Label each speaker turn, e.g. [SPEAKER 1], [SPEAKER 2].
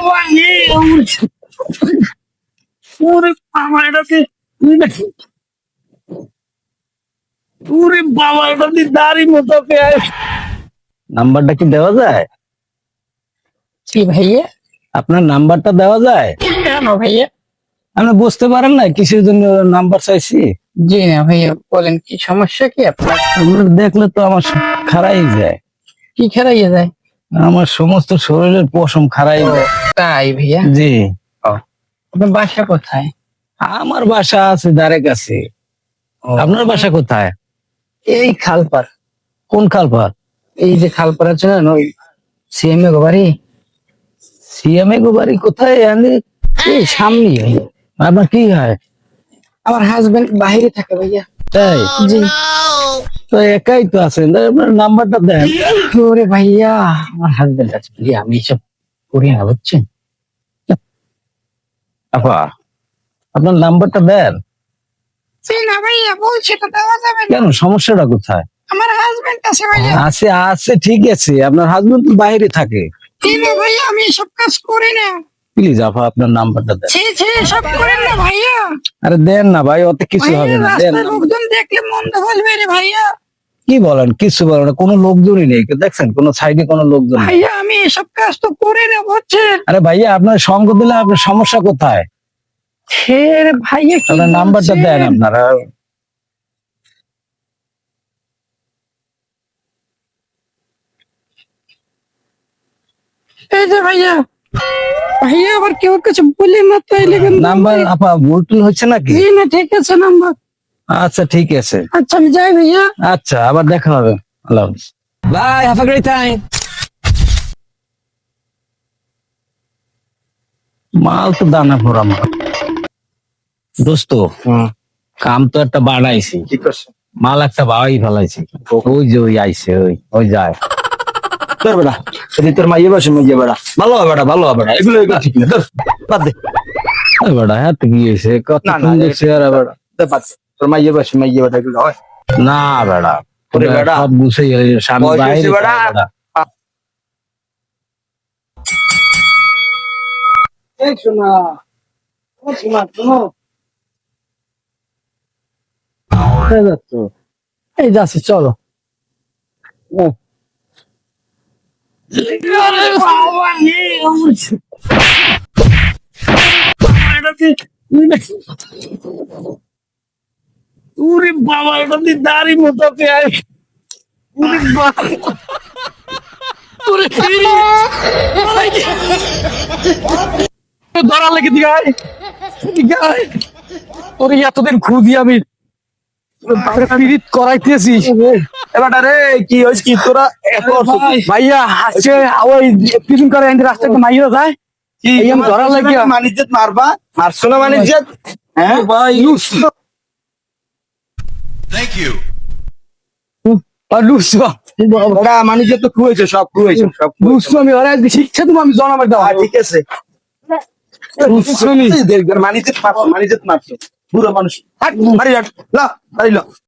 [SPEAKER 1] ওরে বাবা এটাকে ওরে বাবা এটাতে দাড়ি মতো পেঁয়াজ। নাম্বারটা কি দেওয়া যায়?
[SPEAKER 2] জি ভাইয়া।
[SPEAKER 1] আপনার নাম্বারটা দেওয়া যায়?
[SPEAKER 2] কেন ভাইয়া?
[SPEAKER 1] আপনি বুঝতে পারেন না কিসের জন্য নাম্বার চাইছি?
[SPEAKER 2] জি না ভাইয়া, বলেন কি সমস্যা কি আপনার?
[SPEAKER 1] আপনার দেখলে তো আমার খারাই যায়,
[SPEAKER 2] কি খেলাইয়া যায়?
[SPEAKER 1] আমার সমস্ত শরীরের পশম খারাই যায়।
[SPEAKER 2] তাই ভাইয়া?
[SPEAKER 1] জি।
[SPEAKER 2] আপনার বাসা কোথায়?
[SPEAKER 1] আমার বাসা আছে ধারে কাছে। আপনার বাসা কোথায়?
[SPEAKER 2] এই খালপার।
[SPEAKER 1] কোন খালপার?
[SPEAKER 2] এই যে খালপার আছে না, ওই সিএমএ বাড়ি।
[SPEAKER 1] সিএমএ গো বাড়ি কোথায়?
[SPEAKER 2] এই সামনেই ভাইয়া।
[SPEAKER 1] আপনার কি হয়?
[SPEAKER 2] আমার হাজবেন্ড বাইরে থাকে ভাইয়া।
[SPEAKER 1] তাই?
[SPEAKER 2] জি।
[SPEAKER 1] তো একাই তো আছেন, তাই আপনার নাম্বারটা দেন।
[SPEAKER 2] ওরে ভাইয়া, আমার হাজবেন্ড আছে ভাইয়া, আমি এসব করি না বুঝছেন।
[SPEAKER 1] আপা আপনার নাম্বারটা দেন।
[SPEAKER 2] না ভাইয়া, বলছি তো দেওয়া যাবে না।
[SPEAKER 1] কেন, সমস্যাটা কোথায়?
[SPEAKER 2] আমার হাজবেন্ড আছে ভাইয়া।
[SPEAKER 1] আছে আছে ঠিক আছে, আপনার হাজবেন্ড তো বাইরে থাকে।
[SPEAKER 2] না ভাইয়া, আমি এসব কাজ করি না।
[SPEAKER 1] প্লিজ আপা আপনার নাম্বারটা দেন।
[SPEAKER 2] ছি ছি, এসব করেন না ভাইয়া।
[SPEAKER 1] আরে দেন না ভাই, অত কিছু হবে না, দেন।
[SPEAKER 2] রাস্তায় লোকজন দেখলে মন্দ বলবে রে ভাইয়া।
[SPEAKER 1] কি বলেন? কিছু বলেন না, কোনো লোকজনই নেই, দেখছেন কোন সাইডে কোনো লোকজন নেই।
[SPEAKER 2] ভাইয়া আমি এসব কাজ তো করি না বুঝছেন।
[SPEAKER 1] আরে ভাইয়া আপনার সঙ্গ দিলে আপনার সমস্যা কোথায়?
[SPEAKER 2] রে ভাইয়া, কি
[SPEAKER 1] আপনার নাম্বারটা
[SPEAKER 2] বলছেন?
[SPEAKER 1] দেন আপনারা।
[SPEAKER 2] এই যে ভাইয়া, ভাইয়া আবার কেউ কিছু বলি না তাইলে কিন্তু।
[SPEAKER 1] নাম্বার আপা ভুল টুল হচ্ছে নাকি?
[SPEAKER 2] জি না, ঠিক আছে নাম্বার।
[SPEAKER 1] আচ্ছা ঠিক আছে।
[SPEAKER 2] আচ্ছা আমি যাই ভাইয়া।
[SPEAKER 1] আচ্ছা আবার দেখা হবে। আল্লাহ হাফেজ।
[SPEAKER 3] Bye. Have a great time.
[SPEAKER 1] মাল তো দানা ভরা মাল। দোস্ত কাম তো একটা বাড়াইছি,
[SPEAKER 3] কি করছো?
[SPEAKER 1] মাল একটা বাড়াই ফেলাইছি। ওই যে ওই আইছে, ওই যায়।
[SPEAKER 3] তোর বেটা, যদি তোর মাইয়ে বসে মাইয়ে বেটা, ভালো হবে বেটা, ভালো হবে বেটা, এগুলো ঠিক না, ধর, বাদ দে।
[SPEAKER 1] ওই বেটা হ্যাঁ তো কি হয়েছে, কত
[SPEAKER 3] না, না,
[SPEAKER 1] সুন্দর চেহারা বেটা।
[SPEAKER 3] দে, বাদ দে। তোর মাইয়ে বসে মাইয়ে বেটা, এগুলো হয়?
[SPEAKER 1] না বেটা,
[SPEAKER 3] ওরে বেটা,
[SPEAKER 1] সব বুঝে গেলে স্বামী
[SPEAKER 3] বয়স
[SPEAKER 1] বাইরে
[SPEAKER 3] হয়েছে বেটা।
[SPEAKER 1] বেটা।
[SPEAKER 2] এই শোনা, শোনা শোনো।
[SPEAKER 1] কোথায় যাচ্ছ?
[SPEAKER 2] এই যাচ্ছি, চলো।
[SPEAKER 1] ওরে বাবা এটাতে দাড়ি মতো পেঁয়াজ। ওরে বাবা, ওরে
[SPEAKER 2] ধরা লেগে দিগায় দিগায়। ওরে এতদিন খুঁজি আমি, পিরিত করাইতেছি।
[SPEAKER 3] এবারটা রে, কি হয়েছে কি তোরা এত
[SPEAKER 2] ভাইয়া আজকে ওই পিছন করে রাস্তা একটা মাইরা যায়।
[SPEAKER 3] কি
[SPEAKER 2] এই আমি ধরা লাগিয়া।
[SPEAKER 3] মানিজ্জত মারবা, মারছো না মানিজ্জত? হ্যাঁ
[SPEAKER 2] ভাই
[SPEAKER 4] Thank you.
[SPEAKER 3] বেটা, মানিজ্জত তো খুয়েছে, সব খুয়েছে, সব খুয়েছে।
[SPEAKER 2] আমি ওরা শিক্ষা তুমি আমি জনাবার দেওয়া
[SPEAKER 3] ঠিক আছে, মানিজ্জত মারছো, মানিজ্জত মারছো, বুড়ো মানুষ। হাট, বাড়ি হাট, লা, বাড়ি লা।